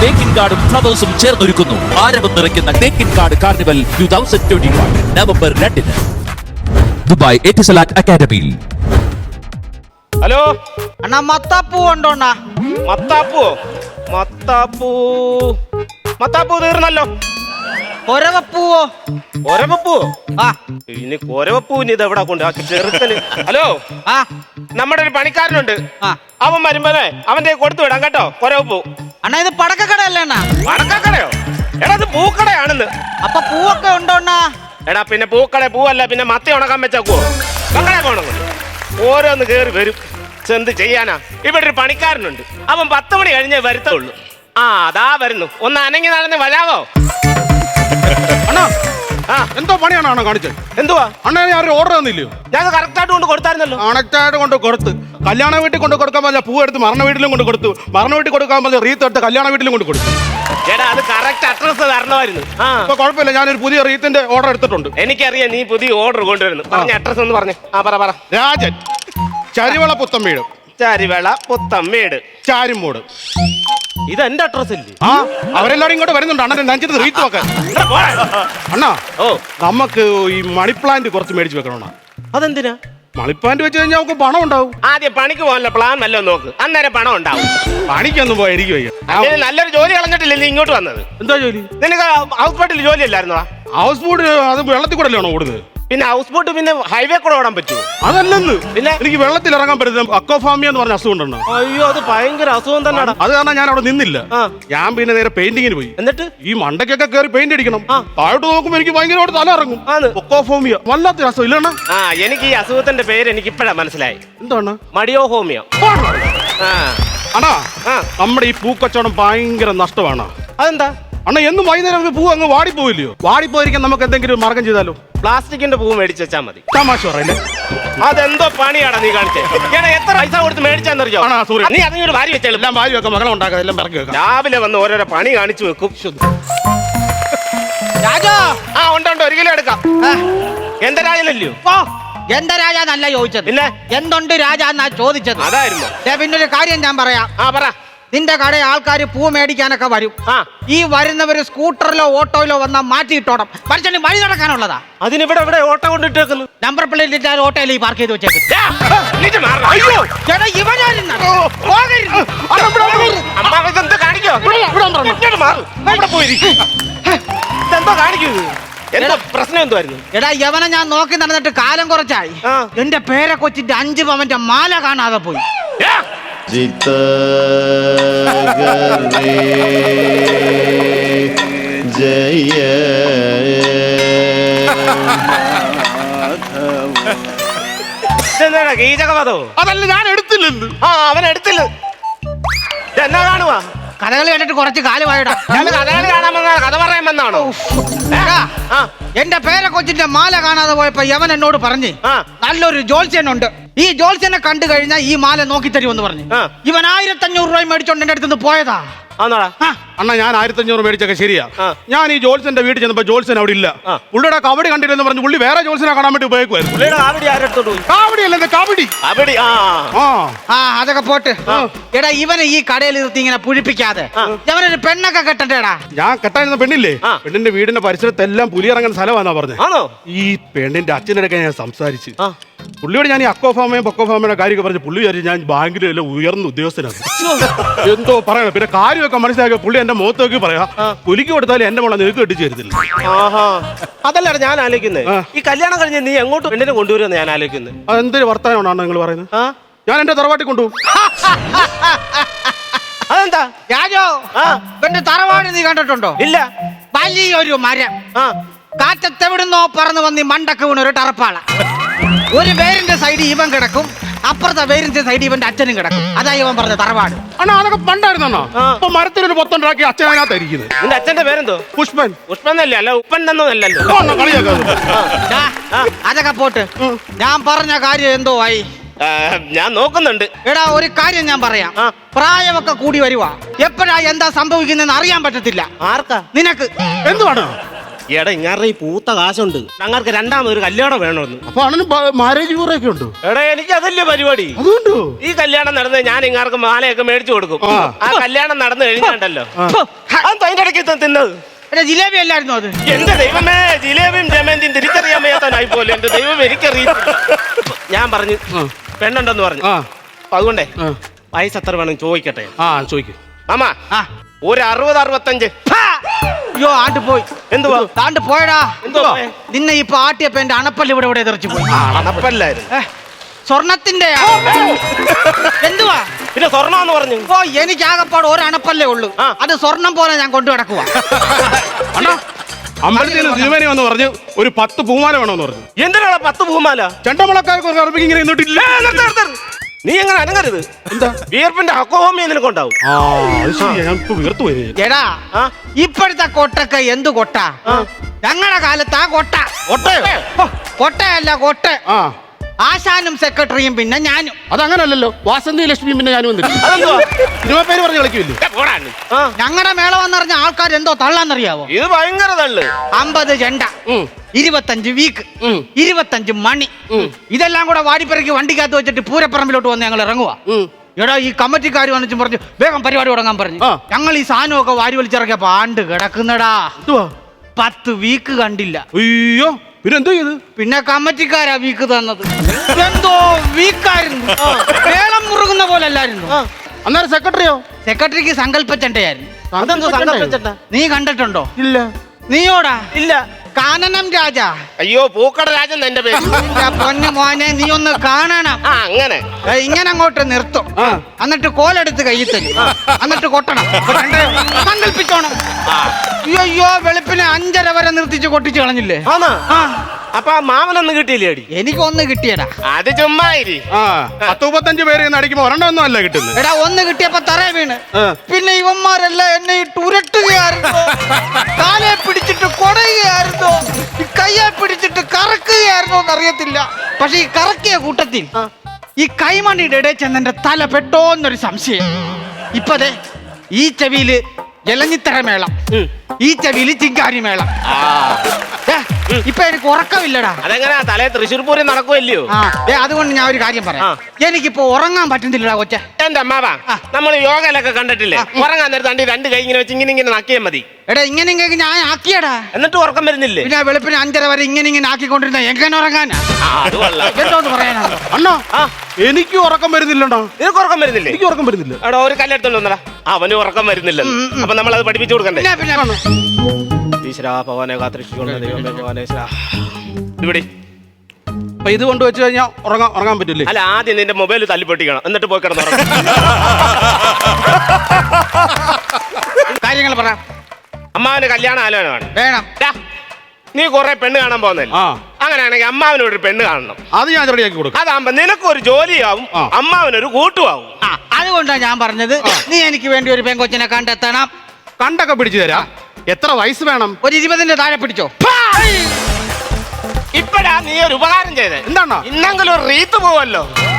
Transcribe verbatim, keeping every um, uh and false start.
തേക്കിൻ കാർഡും ഫ്ലവേഴ്സും ചേർന്നൊരുക്കുന്നു ആരവം നിറയ്ക്കുന്ന Thekkinkad carnival two thousand twenty one November രണ്ടിന് ദുബായ് എറ്റിസലാറ്റ് അക്കാദമിയിൽ. ഹലോ അണ്ണാ മത്താപ്പൂ ഉണ്ടോണ്ണാ? മത്താപ്പൂ മത്താപ്പൂ മത്താപ്പൂ തീർന്നല്ലോ. കൊരവപ്പൂവോ? കൊരവപ്പൂ ആ ഇനി കൊരവപ്പൂവിന് ഇത് എവിടെ കൊണ്ട് ആക്കി ചെറുക്കന്. ഹലോ ആ നമ്മുടെ ഒരു പണിക്കാരനുണ്ട്, ആ അവൻ വരുമ്പോഴേ അവന്റെ കൊടുത്തു വിടാം കേട്ടോ കൊരവപ്പൂ. അണ്ണാ ഇത് പടക്കക്കടയല്ലേ അണ്ണാ? വടക്കക്കടയോ? എടാ ഇത് പൂക്കടയാണെന്ന്. അപ്പൊ പൂവൊക്കെ ഉണ്ടോണ്ണാ? എടാ പിന്നെ പൂക്കട പൂവല്ല പിന്നെ മത്തി ഉണക്കാൻ വെച്ചേക്കുവോ? കക്കട പോണം ഓരോന്ന് കേറി വരും. എന്ത് ചെയ്യാനാ, ഇവിടെ ഒരു പണിക്കാരനുണ്ട്, അവൻ പത്ത് മണി കഴിഞ്ഞേ വരുത്തുള്ളൂ. ആ അതാ വരുന്നു, ഒന്ന് അനങ്ങി നടന്ന് വരാവോ? അണ്ണാ ആ എന്തോ പണിയാണോ കാണിച്ചത്? എന്തുവാ അണ്ണാ ഞാൻ ഓർഡർ തന്നില്ലയോ? ഞാൻ കറക്റ്റ് ആയിട്ട് കൊണ്ട് കൊടുത്തായിരുന്നല്ലോ. കണക്റ്റായിട്ട് കൊണ്ട് കൊടുത്ത് കല്യാണ വീട്ടിൽ കൊണ്ട് കൊടുക്കാൻ പറ്റില്ല, പൂ എടുത്ത് മരണ വീട്ടിലും കൊണ്ട് കൊടുത്തു, മരണ വീട്ടിൽ കൊടുക്കാൻ പറ്റില്ല, റീത്ത് എടുത്ത് കല്യാണ വീട്ടിലും കൊണ്ട് കൊടുത്തു. ചേട്ടാ അത് കറക്റ്റ് അഡ്രസ് തരണമായിരുന്നു. ആ ഇപ്പൊ കുഴപ്പമില്ല, ഞാനൊരു പുതിയ റീത്തിന്റെ ഓർഡർ എടുത്തിട്ടുണ്ട്. എനിക്കറിയാം നീ പുതിയ ഓർഡർ കൊണ്ടുവരുന്നു. പറഞ്ഞ അഡ്രസ് ഒന്ന് പറഞ്ഞു. ആ പറ പറ. രാജൻ, ചരിവള പുത്തമ്പീട്, ചാരിവേള പുത്തമ്മേട്, ചാരിമൂട്. ഇത് എന്റെ അഡ്രസ് ഇല്ലേ? ആ അവരെല്ലാരും ഇങ്ങോട്ട് വരുന്നുണ്ട് അണ്ണനെ നനച്ചിട്ട് റീത്ത് വെക്കാൻ. അണ്ണാ ഓ നമുക്ക് ഈ മണി പ്ലാന്റ് കുറച്ച് മേടിച്ച് വെക്കണോണ്ണാ. അതെന്തിനാ? മണി പ്ലാന്റ് വെച്ച് കഴിഞ്ഞാൽ നമുക്ക് പണം ഉണ്ടാവും. ആദ്യം പണിക്ക് പോകാനുള്ള പ്ലാൻ വല്ലതും നോക്ക്, അന്നേരം പണം ഉണ്ടാവും. പണിക്കൊന്നും പോയി എനിക്ക് വയ്യ. അതിന് നല്ലൊരു ജോലി കളഞ്ഞിട്ടില്ലേ നീ ഇങ്ങോട്ട് വന്നത്? എന്താ ജോലി? നിനക്ക് ഹൗസ് ബോട്ടിൽ ജോലി അല്ലായിരുന്നോ? ഹൗസ് ബോട്ട് അത് വെള്ളത്തിൽ കൂടെ അല്ലേ ഓടുന്നത്? പിന്നെ ഹൗസ് ബോട്ട് പിന്നെ ഹൈവേ കൂടെ ഓടാൻ പറ്റുമോ? അതല്ലെന്ന്, പിന്നെ എനിക്ക് വെള്ളത്തിൽ ഇറങ്ങാൻ പറ്റുന്ന അക്വാഫാമിയ എന്ന് പറഞ്ഞ അസുഖം ഉണ്ടെണ്ണ. അയ്യോ അത് ഭയങ്കര അസുഖം തന്നെയാണ്. അത് കാരണം ഞാൻ അവിടെ നിന്നില്ല. ആ. ഞാൻ പിന്നെ നേരെ പെയിന്റിങ്ങിന് പോയി. എന്നിട്ട് ഈ മണ്ടയ്ക്കൊക്കെ കയറി പെയിന്റ് അടിക്കണം. ആ. താഴോട്ട് നോക്കുമ്പോ എനിക്ക് ഭയങ്കരമായിട്ട് തല ഇറങ്ങും. ആണ്. ഒക്കോഫോമിയ വല്ലാത്ത അസുഖം ഇല്ലണ്ണ. ആ എനിക്ക് ഈ അസുഖത്തിന്റെ പേര് എനിക്ക് ഇപ്പഴാ മനസ്സിലായി. എന്താണ്? മടിയോ ഹോമിയോ. ആ അണ്ണാ ആ നമ്മുടെ ഈ പൂക്കച്ചവടം ഭയങ്കര നഷ്ടമാണ്. അതെന്താ? അണ്ണ എന്നും വൈകുന്നേരം പൂ അങ്ങ് വാടിപ്പോയില്ലയോ? വാടിപ്പോയിരിക്കാൻ നമുക്ക് എന്തെങ്കിലും മാർഗം ചെയ്താലോ? പ്ലാസ്റ്റിക്കിന്റെ പൂ മേടിച്ച് വെച്ചാൽ മതി. തമാശ പറയല്ലേ? അതെന്തോ പണിയാടാ നീ കാണിച്ചേ. ഏടാ എത്ര പൈസ കൊടുത്ത് മേടിച്ചാന്നറിയോ? ആണോ, sorry. നീ അതിനൊരു വാരി വെച്ചാലും എല്ലാം വാരി വെക്കാം, മകളെ ഉണ്ടാക്കാം, എല്ലാം പിറക്കി വെക്കാം. രാവിലെ വന്ന് ഓരോരോ പണി കാണിച്ചു വെക്കും. രാജോ ആ ഉണ്ട് ഉണ്ട്, ഒരു കിലോ എടുക്കാം. ആ, എന്താ രാജനല്ലയോ? ഓ എന്താ രാജ എന്നല്ല ചോദിച്ചത്, പിന്നെ എന്തുണ്ട് രാജ എന്നാ ചോദിച്ചത്. അതായിരുന്നു. ദേ, പിന്നൊരു കാര്യം ഞാൻ പറയാം. ആ പറ. നിന്റെ കടയിൽ ആൾക്കാർ പൂ മേടിക്കാനൊക്കെ വരും. ആ ഈ വരുന്നവര് സ്കൂട്ടറിലോ ഓട്ടോയിലോ വന്നാൽ മാറ്റിയിട്ടോണം. മനുഷ്യന് വഴി നടക്കാനുള്ളതാ. അതിനിവിടെ ഇവിടെ ഓട്ടം കൊണ്ടിട്ടേക്കുന്നു. നമ്പർ പ്ലേറ്റ് ഇട്ടാൽ ഓട്ടോയിൽ ഈ പാർക്ക് ചെയ്ത് വെച്ചേക്കും. അയ്യോ ചേട്ടാ ഇവനായിരുന്നു പോകരുത്. അമ്മ ഇതെന്ത് കാണിക്കോ? ഇങ്ങോട്ട് മാറ്. ഇവിടെ പോയിരിക്കും. ഇതെന്തോ കാണിക്കൂ? എന്താ പ്രശ്നം എന്തുവായിരുന്നു? എടാ യവനെ ഞാൻ നോക്കി നടന്നിട്ട് കാലം കുറച്ചായി. ആ. എന്റെ പേരെ കൊച്ചിന്റെ അഞ്ച് പവന്റെ മാല കാണാതെ പോയി. जित गरे जय ഇതെന്താടാ ഗീജകവധോ? അതല്ല, ഞാൻ എടുത്തില്ലെന്ന്. ആ അവൻ എടുത്തില്ല. എന്നാ കാണുവാ? കഥകളി കണ്ടിട്ട് കുറച്ച് കാലമായിടാ. ഞാൻ കഥകളി കാണാൻ വന്ന കഥ പറയാൻ വന്നാണോ? എടാ, ആ എന്റെ പേരെ കൊച്ചിന്റെ മാല കാണാതെ പോയപ്പോ യവൻ എന്നോട് പറഞ്ഞു ആ നല്ലൊരു ജോത്സ്യനുണ്ട്, ഈ ജോത്സ്യനെ കണ്ടു കഴിഞ്ഞാൽ ഈ മാല നോക്കി തരുമെന്ന് പറഞ്ഞു. ആ. ഇവൻ ആയിരത്തി അഞ്ഞൂറ് രൂപ മേടിച്ചോണ്ട് എന്റെ അടുത്ത് പോയതാ. ആന്നോടാ? ആ, അണ്ണാ ഞാൻ ആയിരത്തി അഞ്ഞൂറ് മേടിച്ചൊക്കെ ശരിയാ. ആ. ഞാൻ ഈ ജോത്സ്യന്റെ വീട്ടിൽ ചെന്നപ്പോ ജോത്സ്യൻ അവിടെ ഇല്ല. ആ. പുള്ളിയുടെ കബഡി കണ്ടില്ലെന്ന് പറഞ്ഞു പുള്ളി വേറെ ജോത്സ്യനെ കാണാൻ വേണ്ടി ഉപയോഗിക്കുമായിരുന്നു. പുള്ളിയുടെ കാവടി ആരെടുത്തോണ്ട് പോയി? കാവടി അല്ലേ, കബഡി. കാവടി. ആ ആ ആ അതൊക്കെ പോട്ട്. എടാ ഇവനെ ഈ കടയിൽ നിർത്തി ഇങ്ങനെ പുഴിപ്പിക്കാതെ ഇവനൊരു പെണ്ണൊക്കെ കെട്ടണ്ടേടാ. ഞാൻ കെട്ടായിരുന്ന പെണ്ണില്ലേ, ആ. പെണ്ണിന്റെ വീടിന്റെ പരിസരത്തെല്ലാം പുലി ഇറങ്ങുന്ന സ്ഥലമാണെന്നാ പറഞ്ഞത്. ആണോ? ഈ പെണ്ണിന്റെ അച്ഛനൊക്കെ ഞാൻ സംസാരിച്ച് ആ പുള്ളിയോട് ഞാൻ ഈ അക്കോഫാമയും പൊക്കോഫാമയുടെ കാര്യമൊക്കെ പറഞ്ഞ് പുള്ളി വിചാരിച്ചു ഞാൻ ബാങ്കിലെ എല്ലാം ഉയർന്ന ഉദ്യോഗസ്ഥനാണ്. എന്തോ പറയണം. പിന്നെ കാര്യമൊക്കെ മനസ്സിലാക്കിയ പുള്ളി എന്റെ മുഖത്തേക്ക് പറയാ പുലിക്ക് കൊടുത്താലും എന്റെ മോളെ നിനക്ക് കെട്ടിച്ചു തരുന്നില്ല. ആഹാ അതല്ല ഞാൻ ആലോചിക്കുന്നത്. ആ. ഈ കല്യാണം കഴിഞ്ഞ് നീ എങ്ങോട്ട് പെണ്ണിനെ കൊണ്ടുവരുമെന്ന് ഞാൻ ആലോചിക്കുന്നത്. അതെന്തൊരു വർത്തമാനമാണ് നിങ്ങൾ പറയുന്നത്? ആ ഞാൻ എന്റെ തറവാട്ടിൽ കൊണ്ടുപോകും. അതെന്താ? രാജോ, ആ. ഇവന്റെ തറവാട് നീ കണ്ടിട്ടുണ്ടോ? ഇല്ല. വലിയൊരു മരം, ആ കാറ്റത്തെവിടുന്നോ പറന്ന് വന്ന് ഈ മണ്ടക്ക് വീണ ഒരു ടറപ്പാള. ഒരു വേരിന്റെ സൈഡിൽ ഇവൻ കിടക്കും, അപ്പുറത്തെ വേരിന്റെ സൈഡിൽ ഇവന്റെ അച്ഛനും കിടക്കും. അതാ ഇവൻ പറഞ്ഞ തറവാട്. അണ്ണാ അതൊക്കെ പണ്ടായിരുന്നോ? ആ. ഇപ്പൊ മരത്തിലൊരു പൊത്തുണ്ടാക്കി അച്ഛനകത്തായിരിക്കുന്നത്. നിന്റെ അച്ഛന്റെ പേരെന്തോ? പുഷ്പൻ. പുഷ്പന്നല്ലേ? അല്ല ഉപ്പൻ എന്നല്ലല്ലോ. ഓ, അണ്ണാ കളിയാക്കാതെ. ദാ, അതൊക്കെ പോട്ട്. ഞാൻ പറഞ്ഞ കാര്യം എന്തോ ആയി? ആ, ഞാൻ നോക്കുന്നുണ്ട്. എടാ ഒരു കാര്യം ഞാൻ പറയാം. ആ. പ്രായമൊക്കെ കൂടി വരുവാ. എപ്പോഴാ എന്താ സംഭവിക്കുന്നതെന്ന് അറിയാൻ പറ്റത്തില്ല. ആർക്കാ? നിനക്ക് എന്തുവാണ്? എടാ ഇങ്ങാരുടെ ഈ പൂത്ത കാശുണ്ട് ഞങ്ങൾക്ക് രണ്ടാമതൊരു കല്യാണം വേണമെന്ന്. അപ്പൊ അണ്ണന് മാരേജ് കൂറൊക്കെ ഉണ്ട്. എടാ എനിക്ക് അതല്ലേ പരിപാടി. അതുകൊണ്ടോ ഈ കല്യാണം നടന്ന് ഞാൻ ഇങ്ങാർക്ക് മാലയൊക്കെ മേടിച്ചു കൊടുക്കും. ആ. ആ കല്യാണം നടന്നു കഴിഞ്ഞാണ്ടല്ലോ അതിന്റെ ഇടയ്ക്ക് തിന്നത് എടാ ജിലേബി അല്ലായിരുന്നു അത്? എന്റെ ദൈവമേ, ജിലേബിയും ജമന്തിയും തിരിച്ചറിയാൻ വയ്യാത്തനായി പോലെ എന്റെ ദൈവം എനിക്കറിയില്ല. ഞാൻ പറഞ്ഞു പെണ്ണുണ്ടെന്ന് പറഞ്ഞു. ആ അപ്പൊ അതുകൊണ്ടേ ആ. വയസ്സ് എത്ര വേണം ചോദിക്കട്ടെ. ആ ചോദിക്കും മാമാ ആ. ഒരു അറുപത് അറുപത്തഞ്ച്. ഹാ! അയ്യോ ആണ്ട് പോയി. എന്തുവാ താണ്ട് പോയടാ. എന്തുവാ നിന്നെ ഇപ്പൊ ആട്ടിയപ്പോ എന്റെ അണപ്പല്ല് ഇവിടെ ഇവിടെ തെറിച്ചു പോയി. അണപ്പല്ലായിരുന്നു. ഏ, സ്വർണത്തിന്റെ എന്തുവാ പിന്നെ സ്വർണ്ണമെന്ന് പറഞ്ഞു. ഓ എനിക്ക് ആകപ്പാട് ഒരു അണപ്പല്ലേ ഉള്ളൂ. ആ. അത് സ്വർണം പോലെ ഞാൻ കൊണ്ടു കിടക്കുക. അണ്ണാ അമ്പലത്തിൽ തിരുമേനി വന്ന് പറഞ്ഞു ഒരു പത്ത് പൂമാല വേണമെന്ന് പറഞ്ഞു. എന്തിനാണ് പത്ത് പൂമാല? ചെണ്ടമുളക്കാർക്ക് അറബിക്ക് ഇങ്ങനെ നിന്നിട്ടില്ല. ഏ, നിർത്ത്, നിർത്ത്, നിർത്ത്. നീ എങ്ങനെ അനങ്ങരുത്. എന്താ? വിയർപ്പിന്റെ അക്കോഹോമിയ നിനക്കുണ്ടാവും. ആ അത് ശരിയാ, ഞാൻ ഇപ്പൊ വീർത്തു പോയി. എടാ ആ? ഇപ്പോഴത്തെ കൊട്ടൊക്കെ എന്ത് കൊട്ട? ഞങ്ങളുടെ കാലത്ത് ആ കൊട്ട ഒട്ടയോ? ഹോ, കൊട്ടയല്ല കൊട്ട. ആ ആശാനും സെക്രട്ടറിയും പിന്നെ ഞാനും. അതങ്ങനല്ലല്ലോ, വാസന്തി ലക്ഷ്മി പിന്നെ ഞാനും വന്നിട്ട് അതെന്തുവാ? സിനിമ പേര് പറഞ്ഞ് കളിക്കില്ലേ? ഏ, പോടാ നീ. ആ, ഞങ്ങളുടെ മേളം വന്നറിഞ്ഞ ആൾക്കാർ എന്തോ തള്ളാന്നറിയാവോ? ഇത് ഭയങ്കര തള്ളു. അമ്പത് ചെണ്ട, ഉം. ഇരുപത്തഞ്ച് വീക്ക്, ഉം. ഇരുപത്തഞ്ച് മണി, ഇതെല്ലാം കൂടെ വാടിപ്പിറക്കി വണ്ടിക്കകത്ത് വെച്ചിട്ട് പൂരപ്പറമ്പിലോട്ട് വന്ന് ഞങ്ങൾ ഇറങ്ങുക. ഉം. എടാ ഈ കമ്മിറ്റിക്കാർ വന്നിച്ചും പറഞ്ഞു വേഗം പരിപാടി തുടങ്ങാൻ പറഞ്ഞു. ആ. ഞങ്ങൾ ഈ സാധനമൊക്കെ വാരി വലിച്ചിറക്കിയപ്പോ ആണ്ട് കിടക്കുന്നടാ. എന്തുവാ? പത്ത് വീക്ക് കണ്ടില്ല. അയ്യോ പിന്നെ എന്തോ ചെയ്ത്? പിന്നെ കമ്മിറ്റിക്കാരാ വീക്ക് തന്നത്. എന്തോ വീക്കായിരുന്നു. വേളം മുറുകുന്ന പോലെ അല്ലായിരുന്നു. അന്നേരം സെക്രട്ടറിയോ? സെക്രട്ടറിക്ക് സങ്കല്പച്ചണ്ടയായിരുന്നു. അതെന്തോ സങ്കല്പിച്ചിട്ടാ? നീ കണ്ടിട്ടുണ്ടോ? ഇല്ല. നീയോടാ? ഇല്ല. കാനനം രാജ. അയ്യോ പൂക്കട രാജൻ എന്റെ പേര്. ഇല്ല, പൊന്നു മോനെ നീ ഒന്ന് കാണണം. ആ അങ്ങനെ. ഏ, ഇങ്ങനെ അങ്ങോട്ട് നിർത്തും. ആ. എന്നിട്ട് കോലെടുത്ത് കയ്യിൽ തരും. എന്നിട്ട് കൊട്ടണം. സങ്കല്പിച്ചോണം. അയ്യോ വെളുപ്പിനെ അഞ്ചര വരെ നിർത്തിച്ച് കൊട്ടിച്ച് കളഞ്ഞില്ലേ? ആണോ? ആ അപ്പൊ ആ മാമനൊന്നും കിട്ടിയില്ലേ അടി? എനിക്കൊന്ന് കിട്ടിയടാ. അത് ചുമ്മായിരി. ആ പത്ത് മുപ്പത്തഞ്ച് പേര് ഇന്ന് അടിക്കുമ്പോ ഒരെണ്ണം ഒന്നും അല്ല കിട്ടുന്നത്. എടാ ഒന്ന് കിട്ടിയപ്പോ തറേ വീണ്. ആ. പിന്നെ ഇവന്മാരെല്ലാം എന്നെ ഇട്ട് ഉരുട്ടുകയായിരുന്നു. കാലെ പിടിച്ചിട്ട് കൊടയുകയായിരുന്നു. ഈ കയ്യെ പിടിച്ചിട്ട് കറക്കുകയായിരുന്നോ എന്നറിയത്തില്ല. പക്ഷെ ഈ കറക്കിയ കൂട്ടത്തിൽ ഈ കൈമണിയുടെ ഇടയിൽ ചെന്നെന്റെ തല പെട്ടോന്നൊരു സംശയം. ഇപ്പതേ ഈ ചെവിയില് ജലഞ്ഞിത്തര മേളം, ഈ ചെവിയില് ചിങ്കാരി മേളം. ദേ, ഇപ്പൊ എനിക്ക് ഉറക്കമില്ലടാ. അതെങ്ങനെയാ തലേ തൃശ്ശൂർ പൂരം നടക്കുമല്ലയോ? ആ ദേ, അതുകൊണ്ട് ഞാൻ ഒരു കാര്യം പറയാം. എനിക്കിപ്പോ ഉറങ്ങാൻ പറ്റുന്നില്ലടാ കൊച്ചെ. എന്റെ അമ്മാവാ, നമ്മൾ യോഗയിലൊക്കെ കണ്ടിട്ടില്ലേ, ഉറങ്ങാൻ നേരത്തെ അണ്ടി രണ്ട് കൈ ഇങ്ങനെ വെച്ച് ഇങ്ങനെ ഇങ്ങനെ നക്കിയാൽ മതി. എടാ ഇങ്ങനെ ഇങ്ങനെ ഞാൻ ആക്കിയടാ. എന്നിട്ട് ഉറക്കം വരുന്നില്ലേ? പിന്നെ വെളുപ്പിന് അഞ്ചര വരെ ഇങ്ങനെ ഇങ്ങനെ ആക്കിക്കൊണ്ടിരുന്ന എങ്ങനെ ഉറങ്ങാനാ? ആ, അത് കൊള്ളാം. എന്തോന്ന് പറയാനാണോ? അണ്ണാ ആ, എനിക്ക് ഉറക്കം വരുന്നില്ലണ്ടോ? നിനക്ക് ഉറക്കം വരുന്നില്ലേ? എനിക്ക് ഉറക്കം വരുന്നില്ല. എടാ ഒരു കല്ലെടുത്തോണ്ട് വന്നടാ. അവന് ഉറക്കം വരുന്നില്ല. അപ്പൊ നമ്മൾ അത് പഠിപ്പിച്ചു കൊടുക്കണ്ടേ? പിന്നെ പിന്നെ ഈശ്വരാ ഭഗവാനെ കാത്തിരക്ഷിച്ചുകൊള്ള ദൈവമേ ഭഗവാനേശ്വര. ഇവിടെ അപ്പൊ ഇത് കൊണ്ട് വെച്ച് കഴിഞ്ഞാൽ ഉറങ്ങാൻ ഉറങ്ങാൻ പറ്റില്ലേ? അല്ല, ആദ്യം നിന്റെ മൊബൈൽ തല്ലിപ്പൊട്ടിക്കണം, എന്നിട്ട് പോയി കിടന്നു കാര്യങ്ങൾ പറ. അമ്മാവന് കല്യാണ ആലോചനമാണ്. വേണം. ഡാ, നീ കൊറേ പെണ്ണ് കാണാൻ പോകുന്നല്ലേ? ആ അങ്ങനെയാണെങ്കിൽ അമ്മാവനോട് ഒരു പെണ്ണ് കാണണം. അത് ഞാൻ റെഡിയാക്കി കൊടുക്കും. അതാകുമ്പോ നിനക്കൊരു ജോലിയാവും, ആ. അമ്മാവനൊരു കൂട്ടുമാവും. ആ അതുകൊണ്ടാണ് ഞാൻ പറഞ്ഞത് നീ എനിക്ക് വേണ്ടി ഒരു പെങ്കൊച്ചിനെ കണ്ടെത്തണം. കണ്ടൊക്കെ പിടിച്ചു തരാം. എത്ര വയസ്സ് വേണം? ഒരു ഇരുപതിന്റെ താഴെ പിടിച്ചോ. ഇപ്പഴാ നീ ഒരു ഉപകാരം ചെയ്തേ. എന്താണോ? ഇന്നെങ്കിലും ഒരു റീത്ത് പോവല്ലോ.